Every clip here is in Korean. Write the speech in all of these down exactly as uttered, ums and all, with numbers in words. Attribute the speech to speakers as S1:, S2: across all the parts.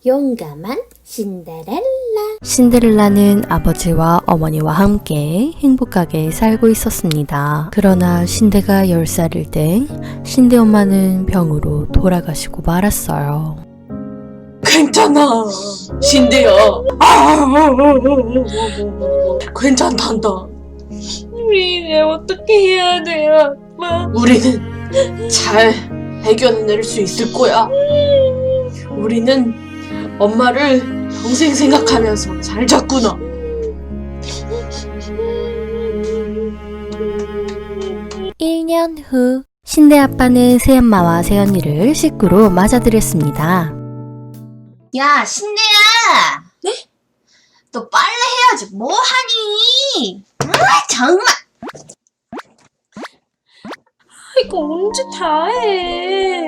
S1: 용감한 신데렐라.
S2: 신데렐라는 아버지와 어머니와 함께 행복하게 살고 있었습니다. 그러나 신데가 열 살일 때 신데 엄마는 병으로 돌아가시고 말았어요.
S3: 괜찮아, 신데야. 괜찮단다.
S1: 우리 이제 어떻게 해야 돼요, 아빠?
S3: 우리는 잘 해결해낼 수 있을 거야. 우리는 엄마를 평생 생각하면서 잘 잤구나.
S2: 일 년 후 신데 아빠는 새엄마와 새언니를 식구로 맞아들였습니다.
S4: 야, 신데야! 네? 너 빨래 해야지. 뭐 하니? 아, 정말!
S1: 이거 언제 다 해?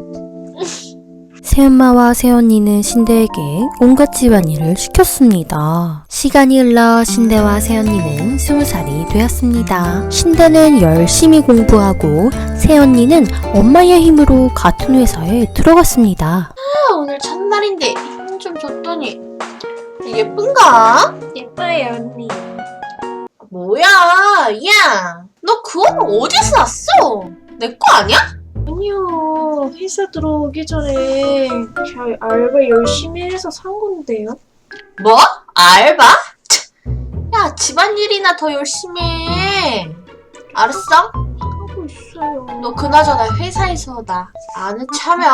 S2: 새엄마와 새언니는 신데에게 온갖 집안일을 시켰습니다. 시간이 흘러 신데와 새언니는 스무 살이 되었습니다. 신데는 열심히 공부하고 새언니는 엄마의 힘으로 같은 회사에 들어갔습니다.
S4: 아, 오늘 첫날인데 힘 좀 줬더니 예쁜가?
S1: 예뻐요, 언니.
S4: 뭐야, 야! 너 그 옷 어디서 샀어? 내 거 아니야?
S1: 아니요, 회사 들어오기 전에 잘 알바 열심히 해서 산 건데요.
S4: 뭐? 알바? 야, 집안일이나 더 열심히 해. 알았어?
S1: 하고 있어요.
S4: 너 그나저나 회사에서 나 아는 차면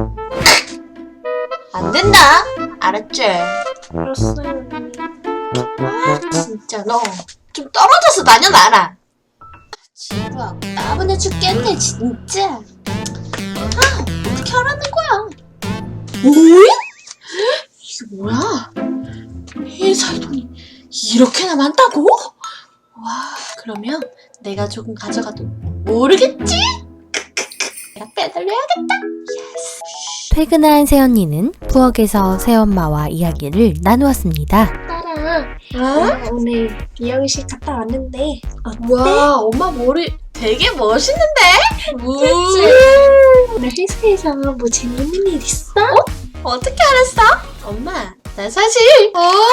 S4: 안 된다. 알았지?
S1: 알았어요, 언니.
S4: 아, 진짜 너 좀 떨어져서 다녀놔라. 지루하고 따분해 죽겠네, 진짜. 아, 어떻게 하라는 거야? 뭐야? 이게 뭐야? 회사에 돈이 이렇게나 많다고? 와, 그러면 내가 조금 가져가도 모르겠지? 내가 빼달려야겠다. 예스.
S2: 퇴근한 새언니는 부엌에서 새엄마와 이야기를 나누었습니다.
S1: 딸아, 어? 오늘 미용실 갔다 왔는데 어때?
S4: 와, 엄마 머리 되게 멋있는데?
S1: 그치? 오늘 회사에서 뭐 재밌는 일 있어?
S4: 어떻게 알았어? 엄마, 나 사실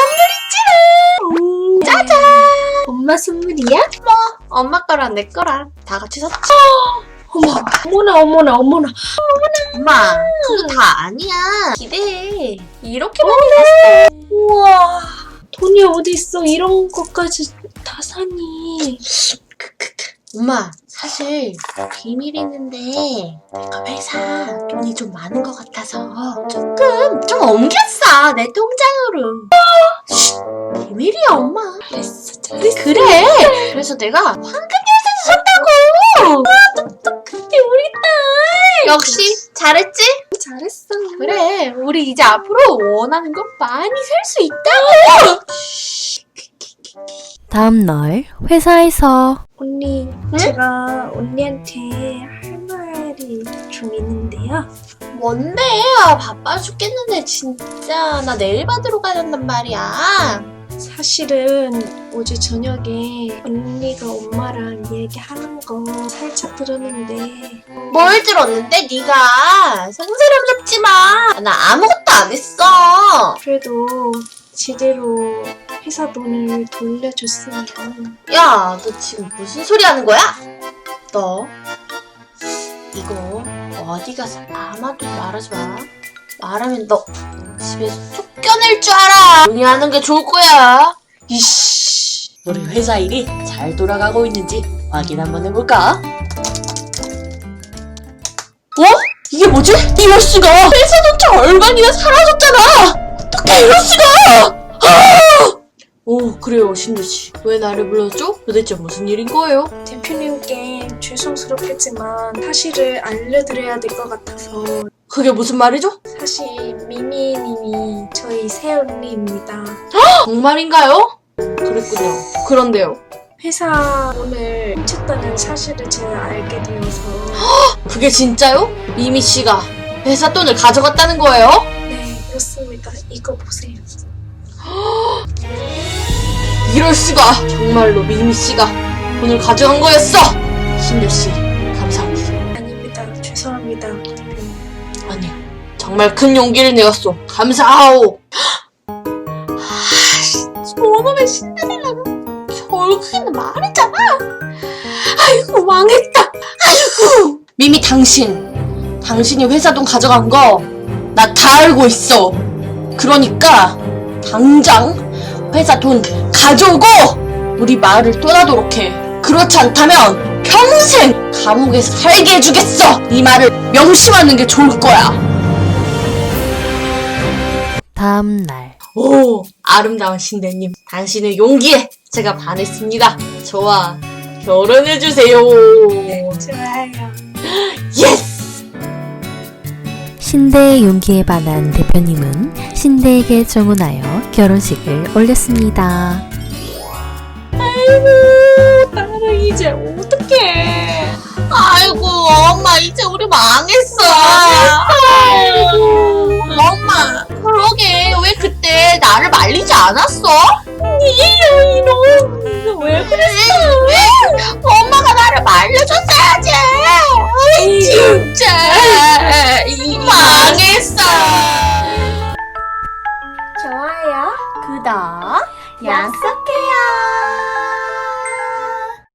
S4: 선물이지. 짜잔!
S1: 엄마 선물이야?
S4: 엄마 거랑 내 거랑 다 같이 샀지.
S1: 어머, 어머나 어머나 어머나.
S4: 엄마, 그거 다 아니야. 기대해. 이렇게 많이 샀어.
S1: 우와, 돈이 어디 있어? 이런 것까지 다 사니?
S4: 엄마, 사실 비밀이 있는데 내가 회사 돈이 좀 많은 것 같아서 조금 좀 옮겼어. 내 통장으로. 쉿, 비밀이야, 엄마.
S1: 잘했어, 잘했어.
S4: 그래. 그래서 내가 황금 열쇠도 샀다고.
S1: 근데 우리 딸
S4: 역시 잘했지?
S1: 잘했어.
S4: 그래. 우리 이제 앞으로 원하는 거 많이 살 수 있다고.
S2: 다음날 회사에서
S1: 언니, 제가 언니한테 할 말이 좀 있는데요.
S4: 뭔데? 아, 바빠 죽겠는데 진짜. 나 내일 받으러 가야 한단 말이야.
S1: 사실은 어제 저녁에 언니가 엄마랑 얘기하는 거 살짝 들었는데
S4: 뭘 들었는데 네가 성스러움 잡지 마. 나 아무것도 안 했어.
S1: 그래도 제대로 회사 돈을 돌려줬으면
S4: 야, 너 지금 무슨 소리 하는 거야? 너 이거 어디 가서 아마도 말하지 마. 말하면 너 집에서 쫓겨낼 줄 알아. 조용히 하는 게 좋을 거야. 이씨.
S3: 우리 회사 일이 잘 돌아가고 있는지 확인 한번 해볼까? 어? 이게 뭐지? 이럴 수가! 회사 돈 절반이나 사라졌잖아! 어떻게 이럴 수가! 아! 오, 그래요, 신두씨. 왜 나를 불렀죠? 도대체 무슨 일인 거예요?
S1: 대표님께 죄송스럽겠지만 사실을 알려드려야 될 것 같아서.
S3: 그게 무슨 말이죠?
S1: 사실 미미님이 저희 새언니입니다.
S3: 정말인가요? 그랬군요. 그런데요.
S1: 회사 돈을 훔쳤다는 사실을 제가 알게 되어서.
S3: 그게 진짜요? 미미 씨가 회사 돈을 가져갔다는 거예요?
S1: 네, 그렇습니다. 이거 보세요.
S3: 이럴 수가! 정말로 미미 씨가 돈을 가져간 거였어! 신두 씨, 감사합니다.
S1: 아닙니다. 죄송합니다, 대표님.
S3: 아니요, 정말 큰 용기를 내었소. 감사하오.
S4: 저놈의 신데렐라는 결국에는 말했잖아. 아이고 망했다. 아이고.
S3: 미미 당신, 당신이 회사 돈 가져간 거 나 다 알고 있어. 그러니까 당장 회사 돈 가져오고 우리 마을을 떠나도록 해. 그렇지 않다면 평생 감옥에서 살게 해주겠어. 이 말을 명심하는 게 좋을 거야.
S2: 다음 날.
S3: 오, 아름다운 신대님, 당신의 용기에 제가 반했습니다. 저와 결혼해주세요.
S1: 좋아요.
S3: 예스!
S2: 신대의 용기에 반한 대표님은 신대에게 주문하여 결혼식을 올렸습니다.
S1: 아이고, 나는 이제 어떡해.
S4: 아이고 엄마 이제 우리 망했어.
S1: 아이고.
S4: 엄마 그러게 왜 그때 나를 말리지 않았어?
S1: 이놈, 왜 그랬어?
S4: 엄마가 나를 말려줬어야지. 아이 진짜.